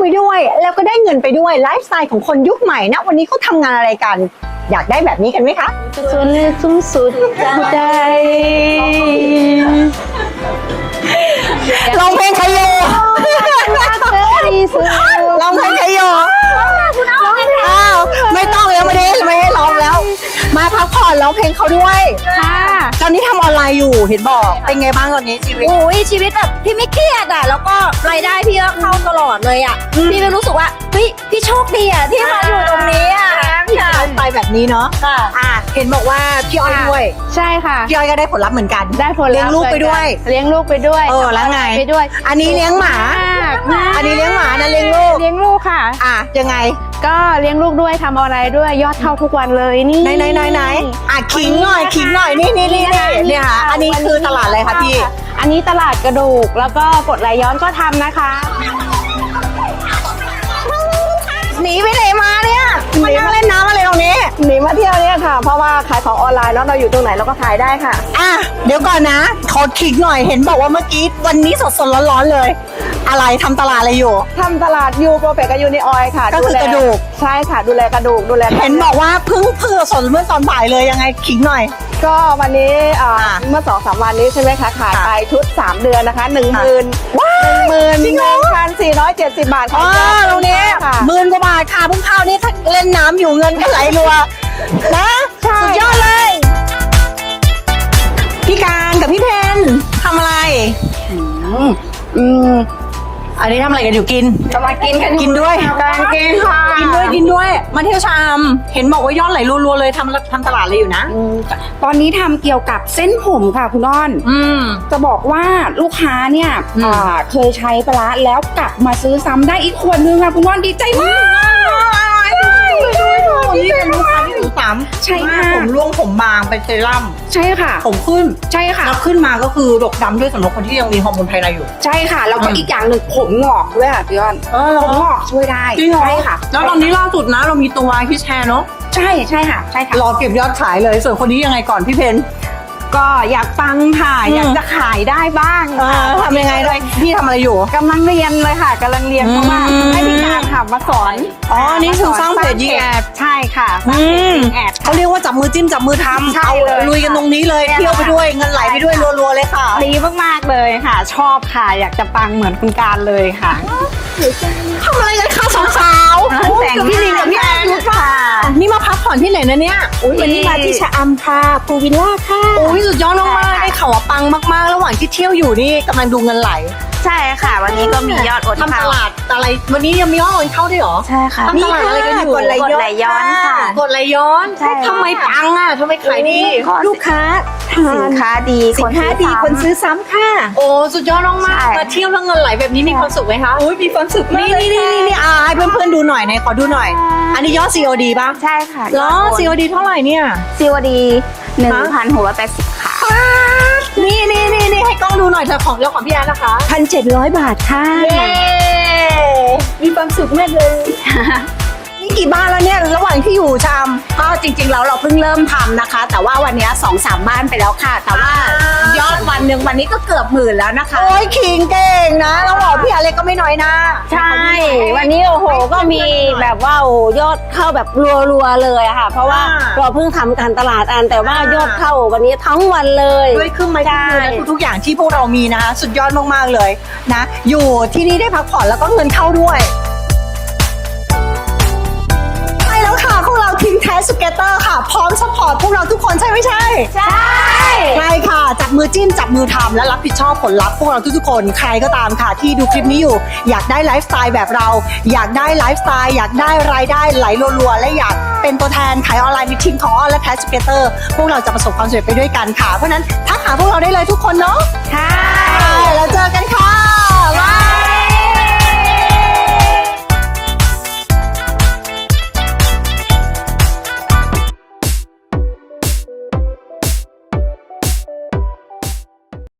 ด้วยแล้วก็ได้เงินไปด้วยไลฟ์สไตล์ของคนยุคใหม่นะวันนี้เขาทำงานอะไรกันอยากได้แบบนี้กันไหมคะจนสูงสุดใจลองเพลงใครโยลองเพลงใครโยอ้าวไม่ต้องแล้วไม่ให้ร้องแล้ว มาพักผ่อนร้องเพลงเขาด้วยค่ะตอนนี้ทำออนไลน์อยู่เห็นบอกเป็นไงบ้างตอนนี้ชีวิตโอ้ยชีวิตแบบพี่ไม่เครียดอ่ะแล้วก็รายได้พี่ก็เข้าตลอดเลยอ่ะพี่ไม่รู้สึกว่าเฮ้ยพี่โชคดีอ่ะที่มาอยู่ตรงนี้อ่ะที่ไลฟ์สไตล์แบบนี้เนาะค่ะเห็นบอกว่าพี่อ้อยด้วยใช่ค่ะพี่อ้อยก็ได้ผลลัพธ์เหมือนกันได้ผลเลี้ยงลูกไปด้วยเลี้ยงลูกไปด้วยแล้วไงไปด้วยอันนี้เลี้ยงหมา อันนี้เลี้ยงหมานะเลี้ยงลูกเลี้ยงลูกค่ะยังไงก็เลี้ยงลูกด้วยทำอะไรด้วยยอดเข้าทุกวันเลยนี่ไหนขิงหน่อยนี่ค่ะอันนี้คือตลาดอะไรคะพี่อันนี้ตลาดกระดูกแล้วก็กดไหลย้อนก็ทำนะคะหนีไปไหนมาเนี่ยมานั่งเล่นน้ำอะไรตรงนี้หนีมาเที่ยวเนี่ยค่ะ เพราะว่าขายของออนไลน์เนาะเราอยู่ตรงไหนเราก็ขายได้ค่ะเดี๋ยวก่อนนะขอขิงหน่อยเห็นบอกว่าเมื่อกี้วันนี้สดๆร้อนๆเลย อะไรทำตลาดอะไรอยู่ทำตลาดยูโปรเฟกกับยูนิออยค่ะก็คือกระดูกใช่ค่ะดูแลกระดูกดูแลเห็นบอกว่าเพิ่งสดเมื่อตอนบ่ายเลยยังไงขิงหน่อยก็วันนี้เมื่อ 2-3 วันนี้ใช่ไหมคะขายไปชุด 3 เดือนนะคะ 11,470 บาทอ๋อตรงนี้ค่ะ 10,000 กว่าบาทค่ะเพิ่งเข้านี่ถ้าเล่นน้ำอยู่เงินก็ไหลรัวนะสุดยอดเลย พี่การกับพี่เพนทำอะไรอันนี้ทำอะไรกันอยู่กินจะมากินกันกินด้วยการกินค่ะกินด้วยมาเที่ยวชามเห็นบอกว่ายอดไหลรัวๆเลยทำตลาดเลยอยู่นะตอนนี้ทำเกี่ยวกับเส้นผมค่ะคุณอ้อน จะบอกว่าลูกค้าเนี่ยเคยใช้ไปแล้วกลับมาซื้อซ้ำได้อีกขวดนึงค่ะคุณอ้อนดีใจมากนี่เป็นลูกค้าที่ถึงซ้ำใช่ค่ะผมร่วงผมบางเป็นเซรั่มใช่ค่ะผมขึ้นใช่ค่ะแล้วขึ้นมาก็คือดกดำด้วยสำหรับคนที่ยังมีฮอร์โมนภายในอยู่ใช่ค่ะแล้วก็อีกอย่างหนึ่งผมงอกด้วยค่ะพี่อ้อนผมงอกช่วยได้จริงเหรอใช่ค่ะแล้วตอนนี้ล่าสุดนะเรามีตัววายพี่แชร์เนาะใช่ค่ะใช่ค่ะรอเก็บยอดขายเลยส่วนคนนี้ยังไงก่อนพี่เพนก็อยากปังค่ะอยากจะขายได้บ้างค่ะทำยังไงด้วยพี่ทำอะไรอยู่กำลังเรียนเลยค่ะกำลังเรียนเพราะว่าให้พี่การค่ะมาสอนอ๋อนี่คือสร้างเพจยิงแอดใช่ค่ะสร้างเพจยิงแอดเขาเรียกว่าจับมือจิ้มจับมือทำใช่เอาเลยลุยกันตรงนี้เลยใช่เที่ยวไปด้วยเงินไหลไปด้วยรัวๆเลยค่ะดีมากๆเลยค่ะ ชอบค่ะ อยากจะปังเหมือนคุณการเลยค่ะทำอะไรกันคะสาวๆแต่งกับพี่ลิงกับพี่แอนค่ะนี่มาพักผ่อนที่ไหนนะเนี่ยวันนี้มาที่ชะอำค่ะภูวิลล่าค่ะโอ้ยสุดยอดมากๆได้ข่าวว่าปังมากๆ ระหว่างที่เที่ยวอยู่นี่กำลังดูเงินไหลใช่ค่ะ วันนี้ก็มียอดโอนทำตเข้าลาดอะไรวันนี้ยังมียอดโอนเข้าด้วยเหรอใช่ค่ะทำตลาดอะไรกันอยู่กดไหลย้อนค่ะกดไหลย้อนใช่ค่ะทำไมปังอ่ะทำไมขายดีลูกค้าทาสินนค้าดีสินค้าดีคนซื้อซ้ำค่ะโอ้สุดยอดมากใช่ๆมาเที่ยวแล้วเงินไหลแบบนี้มีความสุขไหมคะอุ้ยมีความสุขมากนี่เลยค่ะนี่ให้เพื่อนๆดูหน่อยขอดูหน่อย อันนี้ยอด COD ป่ะใช่ค่ะเหรอ COD เท่าไหร่เนี่ย COD 1,680ค่ะนี่ให้กล้องดูหน่อยเธอของแล้วของพี่แอนนะคะ 1,700 บาทค่ะเย้มีความสุขมากเลยนี่กี่บ้านแล้วเนี่ยระหว่างที่อยู่ชามก็จริงๆแล้วเราเพิ่งเริ่มทำนะคะ แต่ว่าวันนี้ 2-3 บ้านไปแล้วค่ะ แต่ว่ายอดวันหนึ่งวันนี้ก็เกือบ10,000แล้วนะคะโอ้ยขิงเก่งนะเราบอกพี่อะไรก็ไม่น้อยนะใช่ วันนี้โอ้โหก็มีแบบว่าโอ้ยอดเข้าแบบรัวๆเลยอะค่ะ เพราะว่าเราเพิ่งทำการตลาดอันแต่ว่ายอดเข้าวันนี้ทั้งวันเลยด้วยเครื่องไม้เครื่องมือและทุกๆอย่างที่พวกเรามีนะคะสุดยอดมากๆเลยนะอยู่ที่นี่ได้พักผ่อนแล้วก็เงินเข้าด้วยใช่แล้วค่ะพวกเราทีมแทสสเกตเตอร์ค่ะพร้อมซัพพอร์ตพวกเราทุกคนใช่ไม่ใช่ใช่ใช่ค่ะจับมือจิ้มจับมือทำและรับผิดชอบผลลัพธ์พวกเราทุกๆคนใครก็ตามค่ะที่ดูคลิปนี้อยู่อยากได้ไลฟ์สไตล์แบบเราอยากได้ไลฟ์สไตล์อยากได้รายได้ไหลรัวๆและอยากเป็นตัวแทนขายออนไลน์ในทีมของออนและแทสเกตเตอร์พวกเราจะประสบความสำเร็จไปด้วยกันค่ะเพราะฉะนั้นทักหาพวกเราได้เลยทุกคนเนาะค่ะแล้วเจอกันค่ะบ๊ายบาย